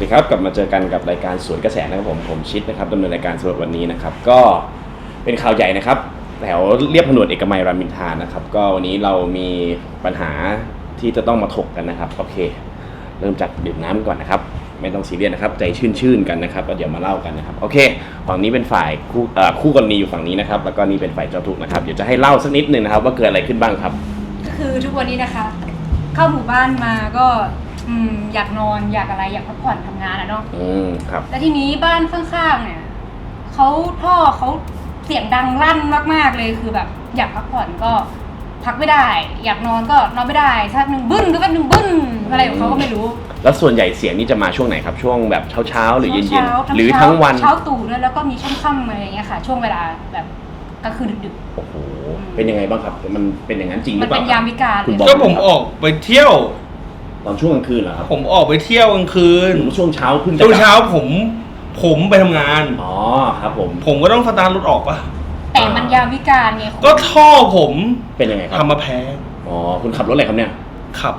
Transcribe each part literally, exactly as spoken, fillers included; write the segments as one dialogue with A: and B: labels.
A: ดีครับกลับมาเจอกันกับรายการสวนกระแสนะครับผมผมชิดนะครับดำเนินรายการสำหรับวันนี้นะครับก็เป็นข่าวใหญ่นะครับแถวเรียบถนนเอกมัยรามอินทรานะครับก็วันนี้เรามีปัญหาที่จะต้องมาถกกันนะครับโอเคเริ่มจากดื่มน้ำก่อนนะครับไม่ต้องซีเรียสนะครับใจชื่นๆกันนะครับแล้วเดี๋ยวมาเล่ากันนะครับโอเคฝั่งนี้เป็นฝ่ายคู่เอ่อคู่กรณีอยู่ฝั่งนี้นะครับแล้วก็นี่เป็นฝ่ายเจ้าทุกข์นะครับเดี๋ยวจะให้เล่าสักนิดนึงนะครับว่าเกิดอะไรขึ้นบ้างครับ
B: ก็คือทุกวันนี้นะคะเข้าหมู่บ้านมาก็อืมอยากนอนอยากอะไรอยากพักผ่อนทำงานอะเนาะ
A: อืมครับ
B: แล้วทีนี้บ้านข้างๆเนี่ยเขาท่อเขาเสียงดังลั่นมากๆเลยคือแบบอยากพักผ่อนก็พักไม่ได้อยากนอนก็นอนไม่ได้สักหนึ่งบึ้นก็เป็นหนึ่งบึ้นอะไรของเขาก็ไม่รู้
A: แล้วส่วนใหญ่เสียงนี่จะมาช่วงไหนครับช่วงแบบเช้าๆหรือเย็นๆหรือทั้งวัน
B: เช้าตู่ด้วยแล้วก็มีค่ำๆอะไรอย่างเงี้ยค่ะช่วงเวลาแบบกลางคืนดึก
A: ๆโอ้โหเป็นยังไงบ้างครับมันเป็นอย่างนั้นจริงหรือเปล่า
B: มันเป็นยามวิกาล
C: ก็ผมออกไปเที่ยว
A: ตอนช่วงกลางคืนเหรอครับ
C: ผมออกไปเที่ยวกลางคืน
A: ช่วงเช้าขึ้น
C: ช่วงเช้าผมผมไปทำงาน
A: อ๋อครับผม
C: ผมก็ต้องสตาร์ทรถออกปะ
B: แต่มันยามวิกาลไง
C: ก็ท่อผม
A: เป็นยังไงครับ
C: ทำมาแพง
A: อ๋อคุณขับรถอะไรครับเนี่ย
C: ขับ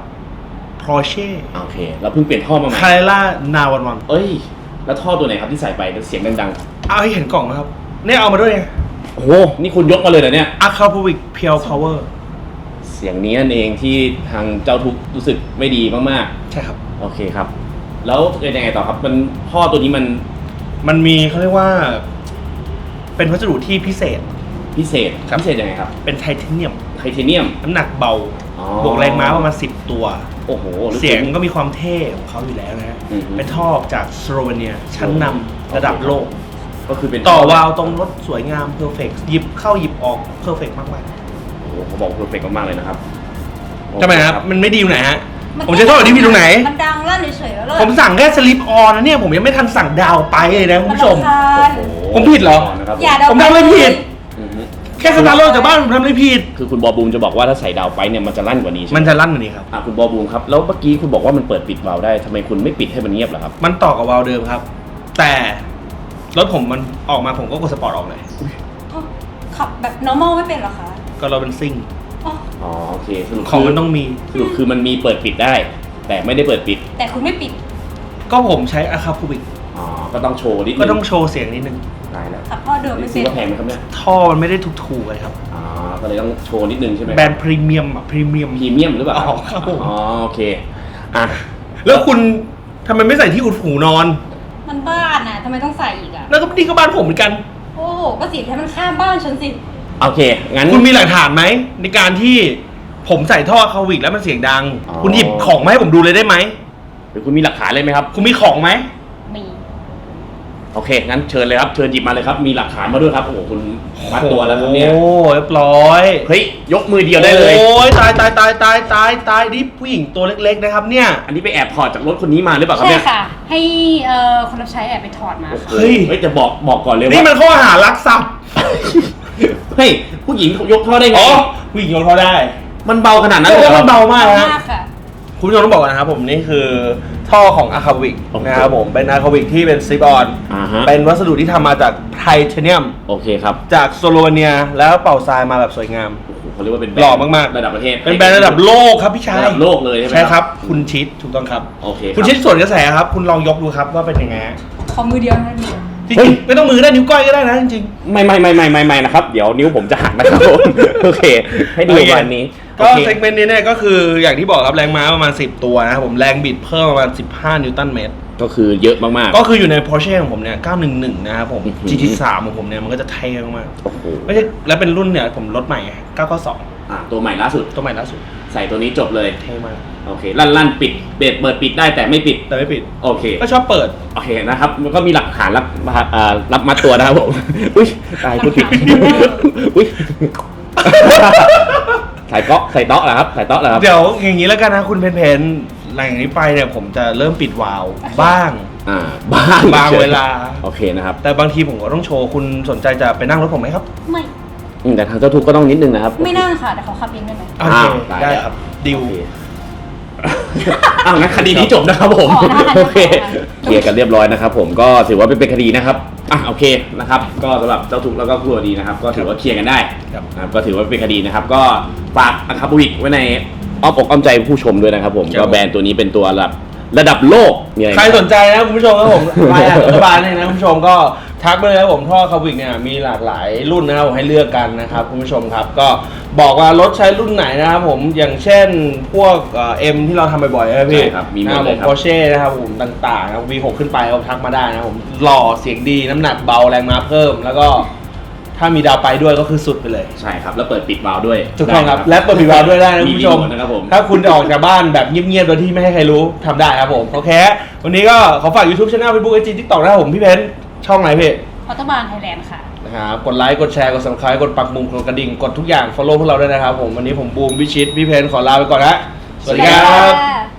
C: Porsche
A: โอเคแล้วเพิ่งเปลี่ยนท่อมาใหม่
C: Carrera นาวันวัน
A: เอ้ยแล้วท่อตัวไหนครับที่ใส่ไปเสียงดัง
C: ๆเอาให้เห็นกล่องนะครับเนี่ยเอามาด้วยไง
A: โอ้โหนี่คุณยกมาเลยเหรอเนี่ย
C: Acapulco Pure Power
A: เสียงนี้นั่นเองที่ทางเจ้าทุกข์รู้สึกไม่ดีมาก
C: ๆใช่ครับ
A: โอเคครับแล้วเป็นยังไงต่อครับมันท่อตัวนี้มัน
C: มันมีเขาเรียกว่าเป็นวัสดุที่พิเศษ
A: พิเศษพิเศษยังไงครับ
C: เป็นไทเทเนียม
A: ไทเทเนียม
C: น้ำหนักเบาบวกแรงม้าประมาณสิบตัว
A: โอ้โห
C: เสียงก็มีความเท่ของเขาอยู่แล้วนะฮะเป็นท่อจากสโลเวเนียชั้นนำระดับโลก
A: ก็คือเป็น
C: ต่อวาล์วตรงรถสวยงามเพอร์เฟกต์หยิบเข้าหยิบออกเพอร์เฟกต์มาก
A: ๆโอ้โหเขาบอกเพอร์เฟกต์มากๆเลยนะครับ
C: ทำไมครับมันไม่ดีอยู่ไหนฮะผมจะโทษที่พี่ตรงไหน
B: มันดังลั่นเฉยๆแล้ว
C: ผมสั่งแค่สลิปออนนะเนี่ยผมยังไม่ทันสั่งดาวไปเลยนะคุณผู้ชมผมผิดเหรอผมทำอะไรผิดแค่สตาร์ทรถจากบ้านผมทำอะไรผิด
A: คือคุณบอบูมจะบอกว่าถ้าใส่ดาวไปเนี่ยมันจะลั่นกว่านี้ใช่ไหม
C: มันจะลั่นกว่านี้ครับ
A: อ่ะคุณบอบูมครับแล้วเมื่อกี้คุณบอกว่ามันเปิดปิดวาล์วได้ทำไมคุณไม่ปิดให้มันเงียบล่ะครับ
C: มันต่อกับวาล์วเดิมครับแต่รถผมมันออกมาผมก็กดสปอร์ตออกเลย
B: ขับแบบ normal ไม่เป็นหรอคะ
C: ก็เราเป็นซิ่ง
A: อ๋อโอเค
C: ของมันต้องมี
A: สรุปคือมันมีเปิดปิดได้แต่ไม่ได้เปิดปิด
B: แต่คุณไม่ปิด
C: ก็ผมใช้อะคาพูบิก
A: อ๋อก็ต้องโชว์นิดนึง
C: ก็ต้องโชว์เสียงนิดนึง
A: ได้แล้ว
B: ขับท่อเดิมไม่เป็น
A: ก็แพงไหมครับเนี่ย
C: ท่อมันไม่ได้ถูกๆเลยครับ
A: อ๋อก็เลยต้องโชว์นิดนึงใช่ไหม
C: แบรนด์พรีเมียมอะพรีเมียม
A: พรีเมียมหรือเปล่า
C: อ๋อครับผม
A: อ๋อโอเคอ่ะ
C: แล้วคุณทำไมไม่ใส่ที่อุดหูนอน
B: มันบ้านน่ะทำไมต้องใส่อีกอ่ะ
C: แล้วก็นี่ก็บ้านผมเหมือนกัน
B: โอ้โหก็สิให้มันข้ามบ้านฉันสิ
A: โอเคงั้น
C: คุณมีหลักฐานไหมในการที่ผมใส่ท่อคาวิกแล้วมันเสียงดังคุณหยิบของมาให้ผมดูเลยได้ไหม
A: หรือคุณมีหลักฐานเลยไหมครับ
C: คุณมีของไหม
B: มี
A: โอเคงั้นเชิญเลยครับเชิญหยิบมาเลยครับมีหลักฐานมาด้วยครับโอ้โหคุณมัดตัวแล้วครับเนี่ย
C: โอ้เรียบร้อย
A: เฮ้ยยกมือเดียวได้เลย
C: โอ้ยตายตายตายตายตายตายนี่ผู้หญิงตัวเล็กๆนะครับเนี่ย
A: อันนี้ไปแอบถอดจากรถคนนี้มาหรือเปล่าครับเนี่ย
B: ใช่ค่ะให้เอ่อคนรับใช้แอบไปถอดมา
A: เฮ้ยเฮ้ยจะบอกบอกก่อนเลยว่า
C: นี่มันข้อหารักทรัพย์
A: เฮ้ยผู้หญิงยกท่อได้ไง
C: อ๋อผู้หญิงยกท่อได้
A: มันเบาขนาดนั้นเลย
C: มันเบามากฮะคุณผู้ชมต้องบอกนะครับผมนี่คือท่อของอะคาวิกนะครับผมเป็นอะคาวิกที่เป็นซิปออนเป็นวัสดุที่ทำมาจากไทเทเนียม
A: โอเคครับ
C: จากสโลเวเนียแล้วเป่าทรายมาแบบสวยงาม
A: เขาเรียกว่าเป็น
C: หล่อมาก
A: ๆระดับประเทศ
C: เป็นแบรนด์ระดับโลกครับพี่ชาย
A: ระดับโลกเลยใช่ไหม
C: ใช่ครับคุณชิดถูกต้องครับ
A: โอเค
C: คุณชิดส่วนกระแสครับคุณลองยกดูครับว่าเป็นยังไง
B: ขอมือเดียวนะมือ
C: จริงไม่ต้องมือได้นิ้วก้อยก็ได้นะจริง
A: ๆไม่ไม่ไม่ไม่ไม่ไม่นะครับเดี๋ยวนิ้วผมจะหักนะครับโอเคให้ดูวันนี้
C: ก็เซกเมนต์นี้เนี่ยก็คืออย่างที่บอกครับแรงม้าประมาณสิบตัวนะครับผมแรงบิดเพิ่มประมาณสิบห้านิวตันเมตร
A: ก็คือเยอะมาก
C: ๆก็คืออยู่ใน Porsche ของผมเนี่ยเก้าหนึ่งหนึ่งนะครับผม จี ที สาม ของผมเนี่ยมันก็จะเท่มาก
A: โอ้โห
C: ไม่ใช่แล้วเป็นรุ่นเนี่ยผมรถใหม่เก้าเก้าสอง
A: อ่ะตัวใหม่ล่าสุด
C: ตัวใหม่ล่าสุด
A: ใส่ตัวนี้จบเลย
C: เท่มาก
A: โอเคลั่นลั่นปิดเปิดเปิดปิดได้แต่ไม่ปิด
C: แต่ไม่ปิด
A: โอเค
C: ก็ชอบเปิด
A: โอเคนะครับมันก็มีหลักฐานรับอ่ารับมัดตัวนะครับผมอุ้ยตายพูดผิดอุ้ยใส่เตาะใส่เตาะเหรอครับใส่เตาะเหรอครับ
C: เดี๋ยวอย่างนี้แล้วกันนะคุณเพนเพนหลังจากนี้ไปเนี่ยผมจะเริ่มปิดวาล์วบ้าง
A: อ่าบ้าง
C: บางเวลา
A: โอเคนะครับ
C: แต่บางทีผมก็ต้องโชว์คุณสนใจจะไปนั่งรถผมไหมครับ
B: ไม่
A: แต่ทางเจ้าทุกข์ก็ต้องนิดนึงนะครับ
B: ไม่นั่งค่ะแต่เขาขับเองได้ไหม
C: โอเคได้ครับดิว
A: อ้าวงั้นคดีนี้จบนะครับผมโอเคเคลียร์กันเรียบร้อยนะครับผมก็ถือว่าเป็นคดีนะครับอ่ะโอเคนะครับก็สำหรับเจ้าทุกข์แล้วก็ครัวดีนะครับก็ถือว่าเคลียร์กันได้นะครับก็ถือว่าเป็นคดีนะครับก็ฝากอะคาบูวิกไว้ในอ้อมอกอ้อมใจผู้ชมด้วยนะครับผมก็แบรนด์ตัวนี้เป็นตัวระดับระดับโลกมีอะไร
C: ใครสนใจนะคุณผู้ชมครับผมไลน์รัฐบาลเนี่ยนะคุณผู้ชมก็ทักไปเลยครับผมท่อคาวิกเนี่ยมีหลากหลายรุ่นนะครับผมให้เลือกกันนะครับคุณผู้ชมครับก็บอกว่ารถใช้รุ่นไหนนะครับผมอย่างเช่นพวกเอ็มที่เราทำบ่อยๆนะครับพี่
A: ใช่ครับมีหมด
C: นะ
A: เลยครับ
C: ผม Porsche นะครับผมต่างๆนะครับ วี หก ขึ้นไปก็ทักมาได้นะครับผมหล่อเสียงดีน้ำหนักเบาแรงม้าเพิ่ม แล้วก็ถ้ามีดาวไปด้วยก็คือสุดไปเลย
A: ใช่ครับแล้วเปิดปิดวาล์วด้วย
C: ถูกต้องครับ
A: ได้
C: และเปิดปิดวาล์วด้วยได้นะคุณผู้ชม
A: รีโทนะครับผม
C: ถ้าคุณจะออกจากบ้านแบบเงียบๆโดยที่ไม่ให้ใครรู้ทำได้ครับผมโอเควันนี้ก็ขอฝาก YouTube Channel Facebook ไอ จี TikTok นะครับผมพี่เพนช่องไหนพี่
B: รัฐบาลไทยแลนด์ค่ะ
C: นะครับกดไลค์กดแชร์กด Subscribe กดปักมุมกดกระดิ่งกดทุกอย่าง Follow พวกเราด้วยนะครับผมวันนี้ผมบูมวิชิตพี่เพนขอลาไปก่อนนะสวัสดีครับ
B: ค่ะ